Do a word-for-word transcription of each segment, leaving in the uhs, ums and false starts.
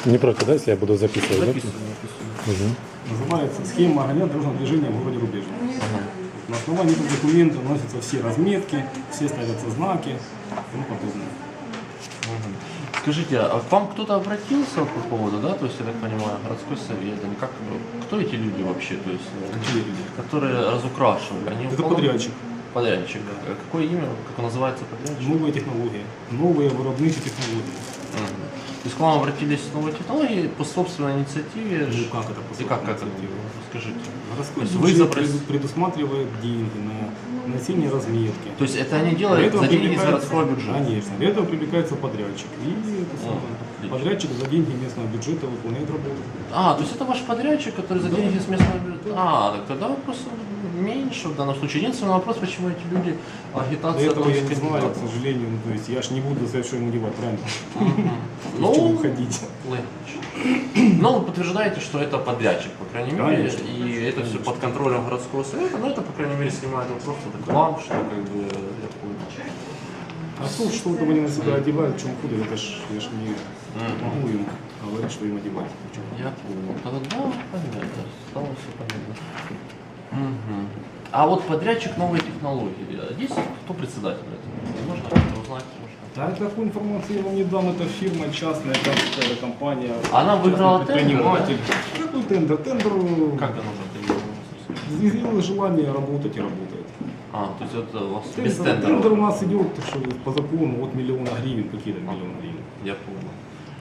Не против, да, если я буду записывать? Записываю, Да? Угу. Называется схема организации дорожного движения в городе Рубежном. Ага. На основании этого документа вносятся все разметки, все ставятся знаки и тому подобное. Мгм. Скажите, а к вам кто-то обратился по поводу, да, то есть, я так понимаю, городской совет, или как, кто эти люди вообще, то есть, э, Какие люди? которые разукрашивали? Они Это уполно- подрядчик. Подрядчик, да. А какое имя, как он называется, подрядчик? Новые технологии. Новые виробничі технологии. Мгм. То есть к вам обратились с новой технологией по собственной инициативе? Ну, ж- как это по И как, как это? инициативе? Скажите. Городской То есть вы бюджет запрос- пред- предусматривает деньги на нанесение разметки. То есть это они Для делают этого за деньги из привлекается- городского бюджета? Конечно. Для этого привлекается подрядчик. И это самое, отлично. подрядчик за деньги местного бюджета выполняет работу. А, то есть это ваш подрядчик, который за деньги с местного бюджета? А, так тогда вопрос меньше в данном случае. Единственный вопрос, почему эти люди До агитация... этого я там, не знаю, к кандидатов. сожалению. Ну, то есть я ж не буду сказать, что ему девать, правильно? Мгм. В чем Ну, ходить? логично. Но вы подтверждаете, что это подрядчик, по крайней мере, Конечно. и это все под контролем городского совета, но это, по крайней мере, снимает вопрос вот к вам, что как бы я понял. А то, что вот они на себя одевают, в чем худо, это ж я ж не Мгм. могу им говорить, что им одевать. В чем. Я понял. Тогда да, понятно, стало все понятно. Мгм. А вот подрядчик новой технологии, есть кто председатель этого? Можно узнать? Можно? Да, такую информацию я вам не дам, это фирма частная, это э, компания. Она выиграла частный тендер, предприниматель. Какой тендер? Тендер Как это нужно это изъявил желание работать и работает. А, то есть это у вас без Тендер, тендера? тендер у нас идет что по закону от миллиона гривен, какие-то миллион гривен. Я понял.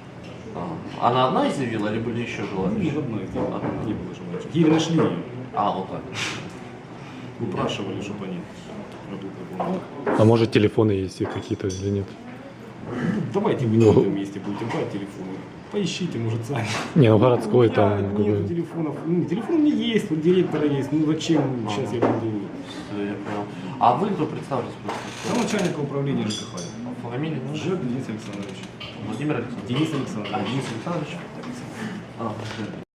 А. Она одна изъявила или были еще Ну, ни желающие? одной из них не было желающих. Еле нашли ее. А, вот так. Упрашивали, чтобы они работали. А может телефоны есть их какие-то или нет? Ну, давайте вы на этом месте будете брать телефоны. Поищите, может, сами. Не, ну городской У меня там... нет какой- телефонов. Ну, телефон у меня есть, вот директора есть. Ну зачем сейчас я буду? Всё, я понял. А вы кто представьтесь? Я просто? начальника управления ЖКХ. Фамилия? ну? Жек Денис Александрович. Владимир Александрович. Денис А, Александрович. Денис Александрович? А,